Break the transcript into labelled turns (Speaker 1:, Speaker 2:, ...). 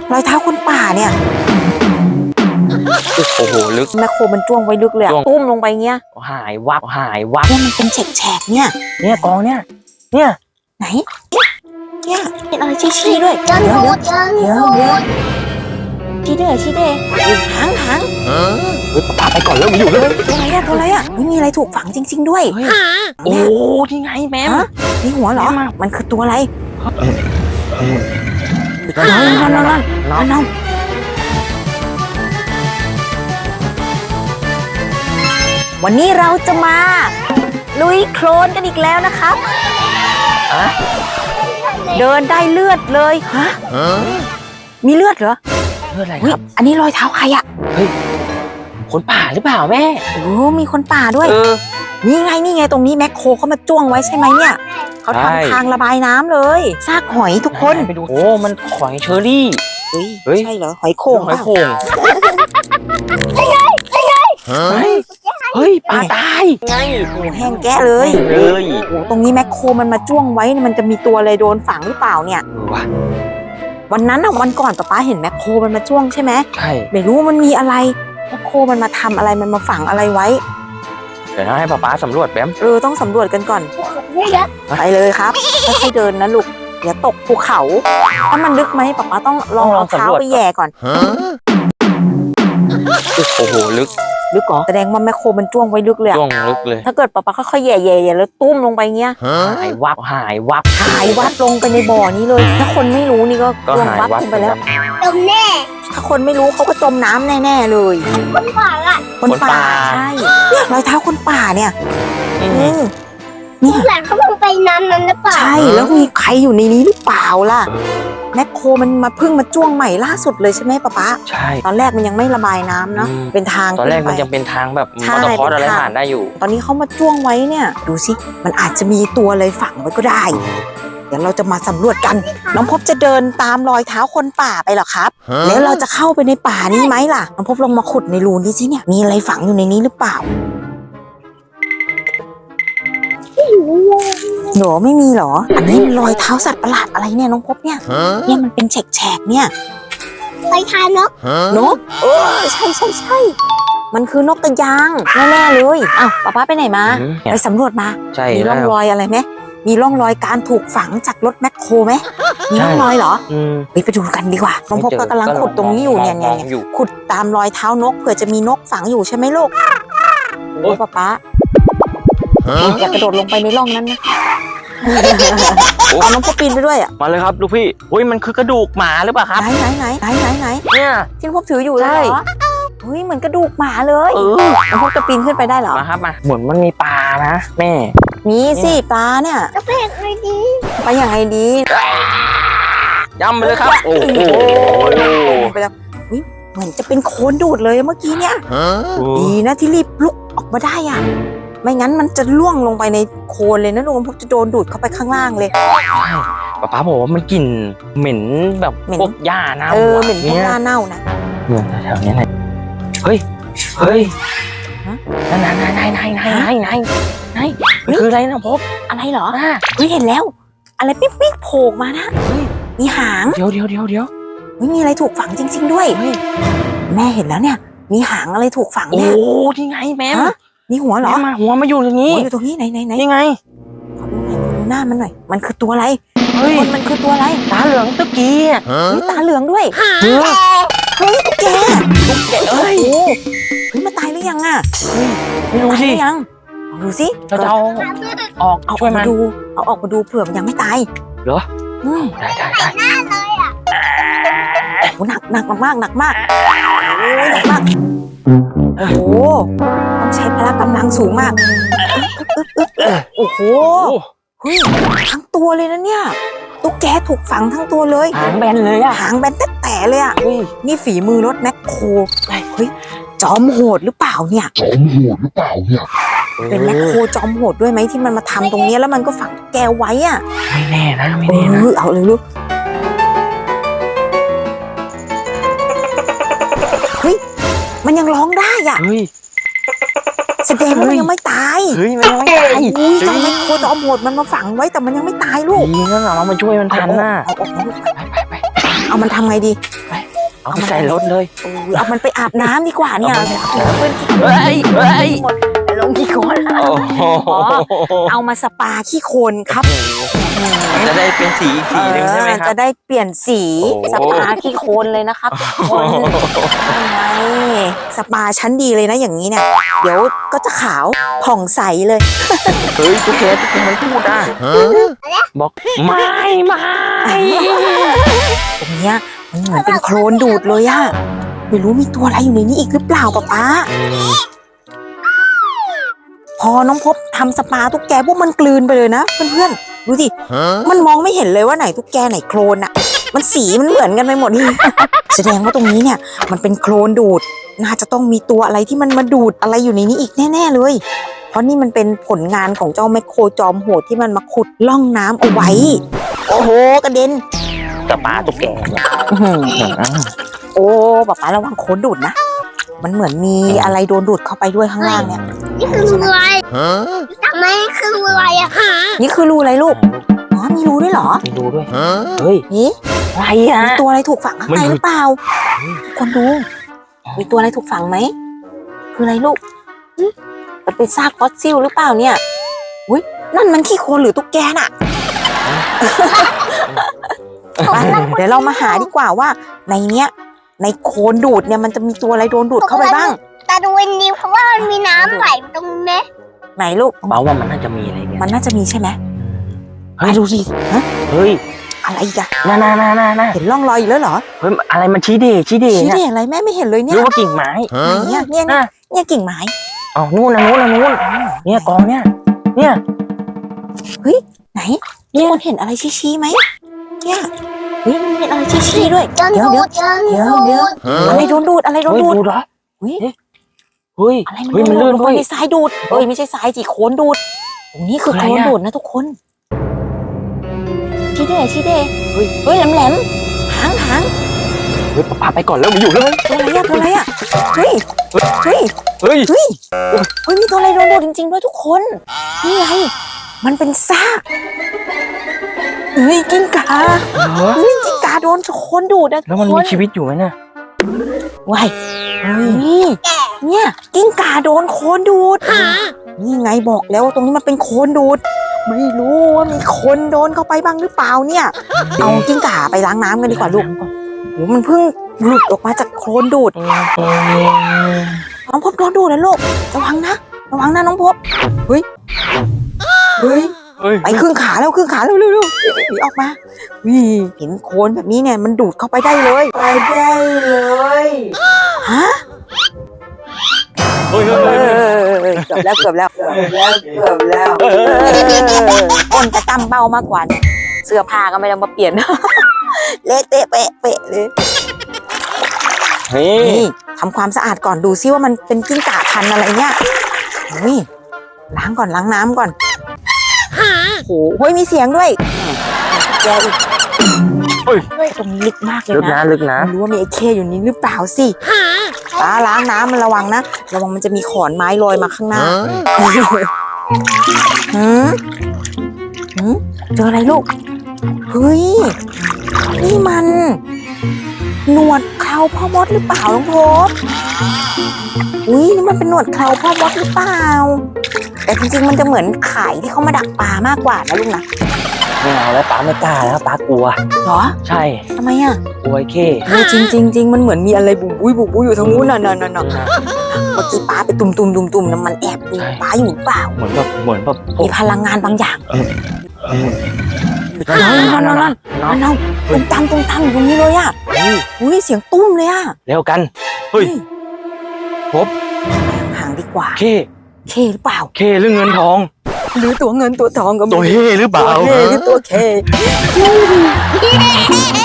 Speaker 1: รอยเท้าคนป่าเนี่ย
Speaker 2: โอ้โหลึก
Speaker 1: แมคโครมันจ้วงไว้ลึกเลยตุ้มลงไปเงี้ย
Speaker 2: หายวับ
Speaker 1: เนี่ยมันเป็นแฉกๆเนี่ย
Speaker 2: กองเนี่ย
Speaker 1: ไหนเนี่ยเป็นอะไรชี้ด้วยเดี๋ยวชี้ด้วยหาง
Speaker 2: ปาไปก่อนแล้วอยู่เลย
Speaker 1: ตัวอะไรอ่ะไม่มีอะไรถูกฝังจริงๆด้วย
Speaker 2: โอ้ที่ไงแม่
Speaker 1: นี่หัวเหรอมันคือตัวอะไรน้องวันนี้เราจะมาลุยโคลนกันอีกแล้วนะครับเดินได้เลือดเลยฮะมีเลือดเหรอ
Speaker 2: เลือดอะไรครับ
Speaker 1: อันนี้รอยเท้าใครอ่ะ
Speaker 2: เฮ้ยคนป่าหรือเปล่าแม่
Speaker 1: โอ้มีคนป่าด้วยนี่ไงตรงนี้แมคโครเขามาจ้วงไว้ใช่ไหมเนี่ยเขาทำทางระบายน้ำเลยซากหอยทุกคน
Speaker 2: ไปดูโอ้มันหอยเชอรี่
Speaker 1: เฮ้ยใช่เหรอหอยโข่ง
Speaker 2: เฮ้ยปลาตาย
Speaker 1: ไงโอ้แห้งแกะเลยโอ้ตรงนี้แมคโครมันมาจ้วงไว้มันจะมีตัวอะไรโดนฝังหรือเปล่าเนี่ยวันนั้นอ่ะวันก่อนป๊าเห็นแมคโครมันมาจ้วงใช่ไหม
Speaker 2: ใช่
Speaker 1: ไม่รู้มันมีอะไรแมคโครมันมาทำอะไรมันมาฝังอะไรไว้
Speaker 2: เดี๋ยวให้ป๊าสำรวจแป๊บ
Speaker 1: ต้องสำรวจกันก่อนไปเลยครับค่อยๆเดินนะลูกอย่าตกภูเขาถ้ามันลึกไหมป๊าต้องลองเอาเท้าไปแย่ก่อน
Speaker 2: โอ้โหลึก
Speaker 1: เหรอแสดงว่าแมคโครมันจ้วงไว้ลึกเลย
Speaker 2: จ้วงลึกเลย
Speaker 1: ถ้าเกิดป๊าค่อยๆแย่แล้วตุ้มลงไปเงี้ย
Speaker 2: หายวับ
Speaker 1: ลงไปในบ่อนี้เลยถ้าคนไม่รู้นี่ก็ลงวับลงไปแล้ว
Speaker 3: จมแน่
Speaker 1: ถ้าคนไม่รู้เขาก็จมน้ำแน่ๆเลย
Speaker 3: คนป่า
Speaker 1: ใช่รอยเท้าคนป่าเนี่ย
Speaker 3: หลังเขาลงไปน้ำนั้นหรือเปล่า
Speaker 1: ใช่แล้วมีใครอยู่ในนี้หรือเปล่าล่ะแมคโครมันมาเพิ่งมาจ้วงใหม่ล่าสุดเลยใช่ไหมป๊า
Speaker 2: ใช่
Speaker 1: ตอนแรกมันยังไม่ระบายน้ำเนาะเป็นทาง
Speaker 2: ตอนแรกมันยังเป็นทางแบบมอเตอร์คอร์สอะไรผ่านได้อยู่
Speaker 1: ตอนนี้เขามาจ้วงไว้เนี่ยดูสิมันอาจจะมีตัวอะไรฝังไว้ก็ได้เดี๋ยวเราจะมาสำรวจกันน้องพบจะเดินตามรอยเท้าคนป่าไปเหรอครับแล้วเราจะเข้าไปในป่านี้ไหมล่ะน้องพบลองมาขุดในรูนี้สิเนี่ยมีอะไรฝังอยู่ในนี้หรือเปล่าหนูไม่มีหรออันนี้รอยเท้าสัตว์ประหลาดอะไรเนี่ยน้องพบเนี่ยมันเป็นแฉกเนี่ย
Speaker 3: รอยเท้านก
Speaker 1: ใช่มันคือนกกระยางแน่ๆเลยอ้าวป๊าไปไหนมาไปสำรวจมามีร่องรอยอะไรไหมมีร่องรอยการถูกฝังจากรถแมคโครไหมมีร่องรอยเหรอไปดูกันดีกว่าน้องพบก็กำลังขุดตรงนี้อยู่เนี่ยขุดตามรอยเท้านกเผื่อจะมีนกฝังอยู่ใช่ไหมลูกโอ้ป๊าอย่ากระโดดลงไปในร่องนั้นนะเอาน้องพบปีนไปด้วยอ่ะ
Speaker 2: มาเลยครับลูกพี่อุ้ยมันคือกระดูกหมาหรือเปล่าครับ
Speaker 1: ไหน
Speaker 2: เนี่ย
Speaker 1: ที่น้องพบถืออยู่เลยเหรอเฮ้ยเหมือนกระดูกหมาเลยน้องพบจะปีนขึ้นไปได้เหรอ
Speaker 2: มาครับมาเหมือนมันมีปลานะแม่
Speaker 1: มีสิปลาเนี่ย
Speaker 3: ไปอย่างไร
Speaker 1: ดี
Speaker 2: ย่ำไปเลยครับโอ้โห
Speaker 1: ไปแล้วเหมือนจะเป็นโคลนดูดเลยเมื่อกี้เนี่ยดีนะที่รีบลุกออกมาได้อ่ะไม่งั้นมันจะล่วงลงไปในโคลนเลยนะลุงพบจะโดนดูดเข้าไปข้างล่างเลย
Speaker 2: ป๊าบอกว่ามันกลิ่นเหม็นแบบพวกหญ้าเน่า
Speaker 1: เหม็นพวกหญ้าเน่านะ
Speaker 2: แถวนี้ไหนเฮ้ยนั่นคืออะไรนะพบ
Speaker 1: อะไรเหรอเฮ้ยเห็นแล้วอะไรปิ๊กโผล่มานะมีหาง
Speaker 2: เดี๋ยว
Speaker 1: มีอะไรถูกฝังจริงๆด้วยแม่เห็นแล้วเนี่ยมีหางอะไรถูกฝังเนี่ย
Speaker 2: โอ้ที่ไงแม่
Speaker 1: มีหัวเหรอ
Speaker 2: หัวมาอยู่ตรงนี้
Speaker 1: อยู่ตรงนี้ไหน
Speaker 2: นี่ไง
Speaker 1: ดูหน้ามันหน่อยมันคือตัวอะไรมันคือตัวอะไร
Speaker 2: ตาเหลืองตุ๊กกี้
Speaker 1: ตาเหลืองด้วยตุ๊กแกเฮ้ยมันตายหรือยังอ่ะ
Speaker 2: ไม่รู้สิ
Speaker 1: ยังดูสิ
Speaker 2: เราจะเอาออกช่วยมัน
Speaker 1: ดูเอาออกมาดูเผื่อมันยังไม่ตาย
Speaker 2: เหรอได้
Speaker 1: โอ้หนักมากโอ้โหต้องใช้พละกำลังสูงมากโอ้โหเฮ้ยทั้งตัวเลยนะเนี่ยตุ๊กแกถูกฝังทั้งตัวเลย
Speaker 2: หางแบนเลยอะ
Speaker 1: หางแบนแต่เลยอะนี่ฝีมือรถแมคโครเฮ้ยจอมโหดหรือเปล่าเนี่ยเป็นแมคโครจอมโหดด้วยไหมที่มันมาทำตรงนี้แล้วมันก็ฝังแกไว้อะ
Speaker 2: ไม่แน่นะ
Speaker 1: เอาเลยลูกมันยังร้องได้อ่ะแสดงว่ามันยังไม่ตาย
Speaker 2: มันยังไม่ตาย
Speaker 1: จอมแมคโครจอมโหดมันมาฝังไว้แต่มันยังไม่ตายลูก
Speaker 2: ดีงั้นเรามาช่วยมันทันน่ะ
Speaker 1: เอาออกมาลูกไปเอามันทำไงดี
Speaker 2: เอาไปใส่รถเลย
Speaker 1: เอามันไปอาบน้ำดีกว่าเนี่ย
Speaker 2: เอามันไปอาบน้ำ
Speaker 1: เพื่อน
Speaker 2: เฮ้ยเฮ้ย
Speaker 1: ไปลงขี้โคลน
Speaker 2: โอ้โห
Speaker 1: เอามาสปาขี้โคลนครับ
Speaker 2: จะได้เป็นสีอีกสีหนึ่งใช่ไหมครั
Speaker 1: จะ
Speaker 2: บ
Speaker 1: ได้เปลี่ยนสี
Speaker 2: โอ้
Speaker 1: สปาขี้โคลนเลยนะครับทุกคนยังไงสปาชั้นดีเลยนะอย่างนี้เนี่ย เดี๋ยวก็จะขาวผ่องใสเลย
Speaker 2: เฮ้ยตุ๊กแกมันพูดอ่ะบอกไม่
Speaker 1: ตรงเนี้ยมันเหมือนเป็นโคลนดูดเลยอะไม่รู้มีตัวอะไรอยู่ในนี้อีกหรือเปล่าป๊าพอน้องพบทำสปาตุ๊กแกพวกมันกลืนไปเลยนะเพื่อนๆดูสิมันมองไม่เห็นเลยว่าไหนตุ๊กแกไหนโคลนอะมันสีมันเหมือนกันไปหมดเลย แสดงว่าตรงนี้เนี่ยมันเป็นโคลนดูดน่าจะต้องมีตัวอะไรที่มันมาดูดอะไรอยู่ในนี้อีกแน่ๆเลยเพราะนี่มันเป็นผลงานของเจ้าแมคโครจอมโหดที่มันมาขุดล่องน้ำเอาไว้โอ้โหกระเด็น
Speaker 2: สปาตุ๊กแกเนี่ย
Speaker 1: โอ้ป๊าระวังโคลนดูดนะ มันเหมือนมีอะไรโดนดูดเข้าไปด้วยข้างล่างเนี่ย
Speaker 3: นี่คือรูอะไรทำไมคือรูอะไรอะ
Speaker 1: นี่คือรูอะไรลูก อ๋อ มีรูด้วยเหรอ
Speaker 2: มีดูด้วยเฮ้ย
Speaker 1: นี่
Speaker 2: อะไรอ่ะ
Speaker 1: มีตัวอะไรถูกฝังข้างใน
Speaker 2: มัน
Speaker 1: หรือเปล่าทุกคนดู มีตัวอะไรถูกฝังไหม คืออะไรลูกหึมันเป็นซากฟอสซิลหรือเปล่าเนี่ยอุ้ยนั่นมันขี้โคลนหรือตุ๊กแกน่ะ ไปเดี๋ยวเรามาหาดีกว่าว่าในเนี้ยในโคลนดูดเนี่ยมันจะมีตัวอะไรโดนดูดเข้าไปบ้าง
Speaker 3: ตาดูวันนี้เพราะว่ามันมีน้ำไหลตรงนี้
Speaker 1: ไหนลูก
Speaker 2: เบาว่ามันน่าจะมีอะไรเนี่ย
Speaker 1: มันน่าจะมีใช่ไหม
Speaker 2: เฮ้ย
Speaker 1: ไปดูสิฮะ
Speaker 2: เฮ้ย
Speaker 1: อะไรอีกอะ
Speaker 2: น่า
Speaker 1: เห็นร่องรอยอีกแล้วเหรอ
Speaker 2: เฮ้ยอะไรมันชี้เด
Speaker 1: ชี้
Speaker 2: เนี่ย
Speaker 1: ได้อะไรแม่ไม่เห็นเลยเนี่
Speaker 2: รู้
Speaker 1: ย
Speaker 2: ว่ากิ่งไม้
Speaker 1: เนี่ยกิ่งไม้
Speaker 2: อ๋อนู่นเนี่ยกองเนี่ย
Speaker 1: ไหนทุกคนเห็นอะไรชี้ไหมเนี่ยเฮ้ยมันเห็นอะไรชี้ด้วย
Speaker 3: จน
Speaker 1: เดี๋ยว
Speaker 3: ดู
Speaker 1: เดี๋ยว
Speaker 3: จนดู
Speaker 1: อะไรโดนดูดอะไรโดน
Speaker 2: เฮ้ย
Speaker 1: ดูด
Speaker 2: ดูเหรอ
Speaker 1: เฮ้ย
Speaker 2: เฮ้ย
Speaker 1: อะไรมัน
Speaker 2: เฮ้ย
Speaker 1: โด
Speaker 2: มัน
Speaker 1: นดู
Speaker 2: ลื่
Speaker 1: ด
Speaker 2: น
Speaker 1: ลง
Speaker 2: เว้
Speaker 1: ไป
Speaker 2: ย
Speaker 1: ในทรายดูดเอ้ยไม่ใช่ทรายสิโคลนดูดตรงนี้คือ
Speaker 2: อะไร
Speaker 1: โคลน
Speaker 2: อะ
Speaker 1: ดูดนะทุกคนชี้เด้เฮ้ยแหลมหาง
Speaker 2: เฮ้ยป้าไปก่อนแล้วมีอยู่เลย
Speaker 1: ตัวอะไรอะเฮ้ย
Speaker 2: เฮ้ย
Speaker 1: มีตัวอะไรโดนดูดจริงๆด้วยทุกคนนี่ไงมันเป็นซากเฮ้ยกิ้งก่าเฮ้ยกิ้งก่าโดนโคลนดูดนะ
Speaker 2: แล้วมัน
Speaker 1: ทุก
Speaker 2: มี
Speaker 1: คน
Speaker 2: ชีวิตอยู่ไหมเนี่ย
Speaker 1: ว้ายนี่เนี่ยกิ้งก่าโดนโคลนดูดนี่ไงบอกแล้วตรงนี้มันเป็นโคลนดูด ไม่รู้ว่ามีคนโดนเข้าไปบ้างหรือเปล่าเนี่ย เอากิ้งก่าไปล้างน้ำกันดีกว่าลูกโหมันเพิ่งหลุดออกมาจากโคลนดูดน้องพบโดนดูดนะลูกระวังนะน้องพบเฮ้ยไปครึ่งขาแล้วเร็วหนีออกมาวิเห็นโคลนแบบนี้เนี่ยมันดูดเข้าไปได้เลยฮะ
Speaker 2: เฮ้ย
Speaker 1: เกือบแล้วก้นจะตั้มเบ้ามากกว่าเนี่ยเสื้อผ้าก็ไม่ต้องมาเปลี่ยน เละเตะเปะเลย
Speaker 2: นี่
Speaker 1: นี่ทำความสะอาดก่อนดูซิว่ามันเป็นกิ้งก่าพันธุ์อะไรเนี่ยนี่ล้างน้ำก่อนโอ้โหมีเสียงด้วยแกอีกตรงนี้ลึกมากเลย
Speaker 2: ลึก
Speaker 1: นะ
Speaker 2: นะ
Speaker 1: ไม่รู้ว่ามีไอ้เคอยู่นี้หรือเปล่าสิป้าล้างน้ำมันระวังนะมันจะมีขอนไม้ลอยมาข้างหน้าเจออะไรลูกเฮ้ยนี่มันหนวดเคราพ่อมดหรือเปล่าน้องพบนี่มันเป็นหนวดเคราพ่อมดหรือเปล่าแต่จริงๆมันจะเหมือนไข่ที่เขามาดักปลามากกว่านะลูกนะ
Speaker 2: ไม่เอาแล้วป้าไม่กล้าแล้วป้ากลัว
Speaker 1: เหรอ
Speaker 2: ใช่
Speaker 1: ทำไมอ่ะ
Speaker 2: กลัวไอ้เข้
Speaker 1: จริงมันเหมือนมีอะไรบุบบุยอยู่ทางนู้นน่ะเมื่อกี้ป้าไปตุ่มน้ำมันแอบดูป้าอยู่หรือเปล่า
Speaker 2: เหมือนแบบพว
Speaker 1: มี
Speaker 2: ก
Speaker 1: พลังงานบางอย่าง
Speaker 2: นั่น
Speaker 1: ตุ้มตั้มอยู่ตรงนี้เลยอ่ะอุ้ยเสียงตุ้มเลยอ่ะ
Speaker 2: เร็วกันเฮ้ยพบ
Speaker 1: ห่างดีกว่า
Speaker 2: เข้
Speaker 1: เคหรือเปล่า
Speaker 2: เข้หรือเงินทอง
Speaker 1: หรือตัวเงินตัวทองก็ไม่
Speaker 2: ตัวเฮ่หรือเปล่า
Speaker 1: ตัวเฮ่หรือตัวเค